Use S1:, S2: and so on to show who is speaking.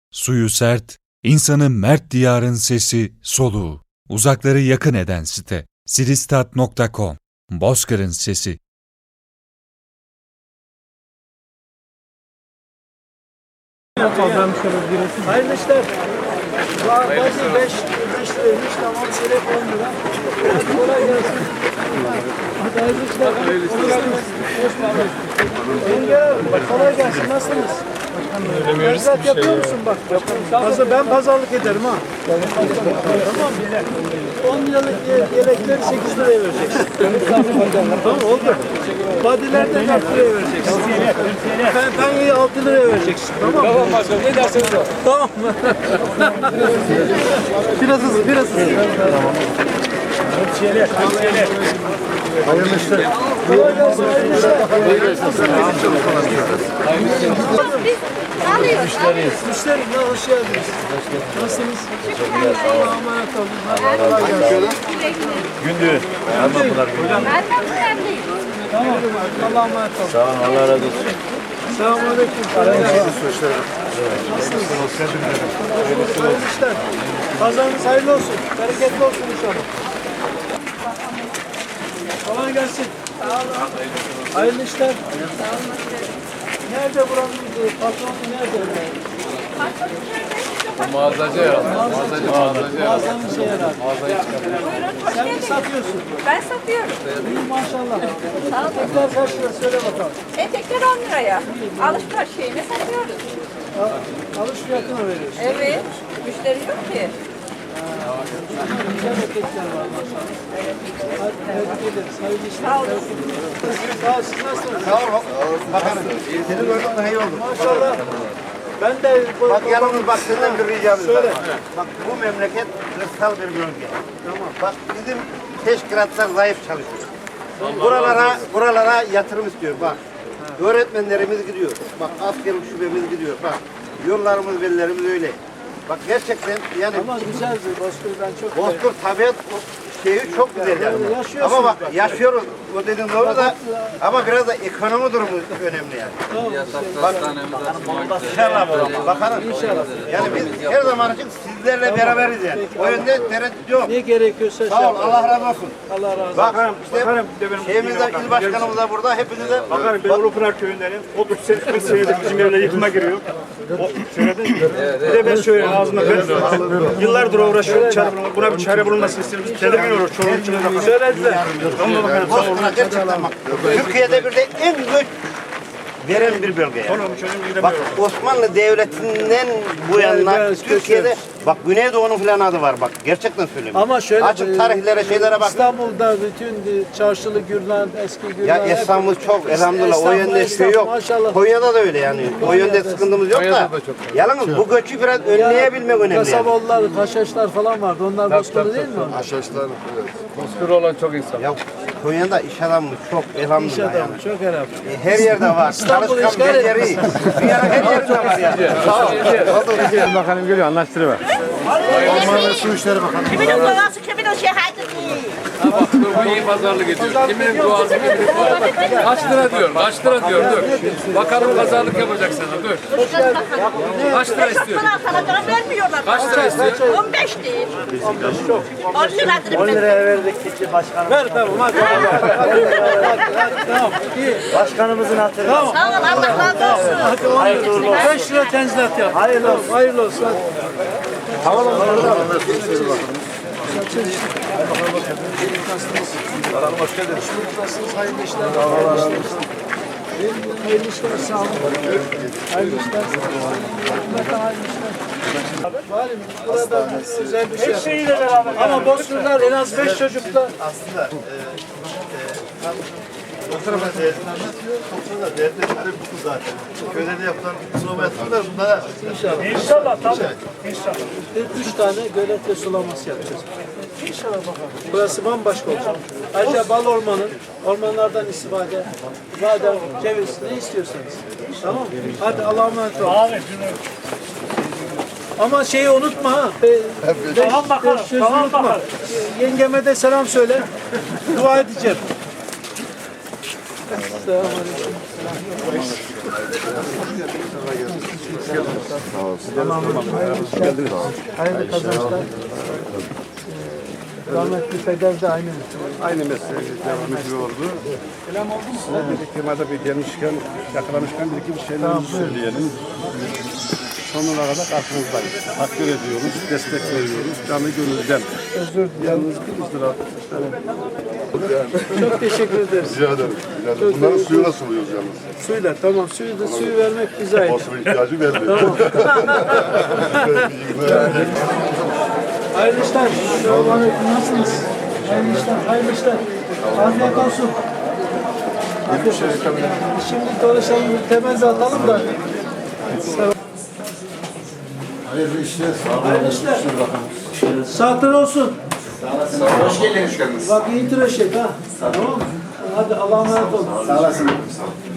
S1: Suyu sert, insanı mert diyarın sesi, soluğu. Uzakları yakın eden site. Siristat.com. Bozkır'ın sesi.
S2: Hayırlı işler. Bazı 5 liraymış, tamam, çeyrek 10 lira. Hadi kolay gelsin. Hadi hayırlı işler. Yenge, kolay gelsin. Nasılsınız? Tezgah yapıyor musun bak? Ben pazarlık ederim ha. Tamam. 10 liralık yelekleri 8 liraya vereceksin. Tamam, oldu. Badilerden 4 liraya vereceksin. Penyeyi 6 liraya vereceksin. Tamam mı?
S3: Tamam başkanım, ne derseniz o.
S2: Tamam. Biraz hızlı. Tamam. Hayırlı işler. Kolay gelsin. Müşteri, hoş geldiniz. Nasılsınız? Allah'a emanet olun. Kolay gelsin.
S4: Gündüz.
S2: Tamam. Allah'a emanet olun.
S4: Sağ olun, Allah razı olsun.
S2: Selamünaleyküm. Nasılsınız? Hayırlı işler. Pazarınız hayırlı olsun. Bereketli olsun inşallah. Kolay gelsin. Hayırlı işler. Nerede buranın patronu nerede?
S3: Mağazacı herhalde.
S2: Mağazanın şey herhalde. Sen mi satıyorsun?
S5: Ben satıyorum.
S2: İyi maşallah.
S5: Sağ olun.
S2: Etekler kaç lira söyle bakalım.
S5: Etekler 10 liraya. Alışveriş şeyini satıyoruz.
S2: Alış fiyatına veriyorsun.
S5: Evet. Müşteri yok ki.
S2: Güzel etekler var maşallah. Hadi tebrik ederiz. Hayırlı işler.
S5: Sağ olun.
S2: Sağ ol, siz nasılsınız?
S4: Sağ ol. Bakarım. Seni gördüm daha iyi oldu.
S2: Maşallah. Ben de
S4: Bak yalnız bak senden bir ricamız var.
S2: Söyle.
S4: Bak bu memleket kırsal bir bölge. Tamam. Bak bizim teşkilatlar zayıf çalışıyor. Buralara yatırım istiyor bak. Öğretmenlerimiz gidiyor. Bak askerlik şubemiz gidiyor. Bak yollarımız, bellerimiz öyle. Bak gerçekten yani
S2: ama güzel bir Bozkır, ben çok
S4: Bozkır tabiat şeyi çok güzel yani.
S2: Yaşıyorsun.
S4: Ama bak yaşıyoruz. O dediğin doğru da ama biraz da ekonomi durumu önemli yani. Bak inşallah bakalım. Yani biz her zaman için sizlerle beraberiz yani. O yönde tereddüt yok.
S2: ne gerekiyorsa
S4: Sağ ol, Allah razı olsun.
S2: Allah razı olsun.
S4: Bak işte şeyimizde il başkanımız da burada, hepinize
S6: Bakarım ben Ulupınar köyündenim. 30 senedir bizim evler yıkıma giriyor. O söyledin. Bir de ben söyleyeyim ağzımda ben yıllardır uğraşıyorum. Buna bir çare bulunmasını istiyoruz. Tedirgin olur. Çoluğun içine bakalım. Söylediler. Ama bakalım.
S4: Bozkır'a gerçekten bak. Türkiye'de bir de en güç veren bir bölge yani.
S6: Onun çözüm
S4: Bak Osmanlı Devleti'nden bu yana Türkiye'de bak Güneydoğu'nun falan adı var bak gerçekten söylüyorum.
S2: Ama şöyle
S4: açık tarihlere şeylere bak.
S2: İstanbul'da bütün çarşılı Gürlen, eski Gürlen.
S4: Ya İstanbul çok elhamdülillah o yönde şey yok.
S2: Maşallah.
S4: Konya'da da öyle yani. O yönde sıkıntımız yok da. Yalnız bu göçü biraz önleyebilmek önemli. Yani.
S2: Kasaboğullar, Haşhaşlar falan vardı. Onlar Bozkır'da değil mi?
S3: Bozkır olan çok insan.
S4: Ya Konya'da iş adamı çok
S2: İş
S4: elhamdülillah
S2: adamı,
S4: yani.
S2: çok herhalde.
S4: Her yerde var.
S2: İstanbul'u
S4: Çalışkan
S2: işgal
S4: beceri. Dünyanın her yerinde var yani. Sağ ol.
S6: Bakanım geliyor anlaştırma.
S4: Ormanlı Su İşleri Bakanı.
S7: Kimin duası, kimin o şehadeti?
S3: Bak bu iyi pazarlık ediyor. Kiminin duası, kiminin duası. Kaç lira diyor, kaç lira diyor, dur. Bakalım pazarlık yapacak sana, dur. Kaç lira istiyor?
S7: Sana vermiyorlar.
S3: Kaç lira istiyor?
S7: 15 değil. 10 liradır.
S2: 10 liraya verdik gitti başkanım. Ver tamam hadi. Tamam. İyi.
S6: Başkanımızın hatırı.
S2: Tamam.
S7: Sağ ol, Allah razı olsun.
S2: Hadi 10 lira. 5 lira tenzilat yap. Hayırlı olsun. Hayırlı olsun. Hadi.
S4: Hoş geldiniz.
S2: Nasılsınız? Hayırlı işler. Hayırlı işler. Sağ olun. Hayırlı işler. Hükümete hayırlı işler. Valim burada özel bir şey. Her şeyiyle beraber. Ama Bozkırlar en az 5 çocukta.
S4: Aslında o tarafa toplumda devletleri bu zaten. Köyde de yapılan sulama yatırımlar bunlara
S6: İnşallah tabii. İnşallah.
S2: 3 tane gölet ve sulaması yapacağız. İnşallah bakalım. Burası bambaşka olacak. Ayrıca bal ormanı, ormanlardan istifade, badem, ceviz ne istiyorsanız. Tamam mı? Hadi Allah'a emanet olun. Ama şeyi unutma ha.
S6: Tamam bakalım,
S2: Sözü
S6: tamam
S2: unutma.
S6: bakalım.
S2: Yengeme de selam söyle. Dua edeceğim. Hayırlı kazançlar. Rahmetli peder de aynı.
S8: Aynı mesleği devam ediyordu. Bir firmada bir gelmişken, yakalamışken bir iki bir şeyler söyleyelim. Sonuna kadar aklımızdayız. Takdir ediyoruz, destek veriyoruz. Canı gönülden.
S2: Özür dilerim.
S8: Yalnız 100 lira.
S2: Çok teşekkür ederiz.
S9: Rica ederim. Rica ederim. Bunların suyuna suluyoruz yalnız.
S2: Suyla tamam suyu vermek güzel.
S9: Basına ihtiyacı vermiyor.
S2: Hayırlı işler. Selamünaleyküm. Nasılsınız? Hayırlı işler. Hayırlı işler. Afiyet olsun. Afiyet olsun. Şimdi dolaşalım, temel atalım da.
S9: Hayırlı işler.
S2: Hayırlı işler. Saatler olsun.
S9: Hoş geldiniz.
S2: Bak iyi tıraş et ha. Tamam mı? Hadi Allah'a emanet olun.
S9: Sağ olasın.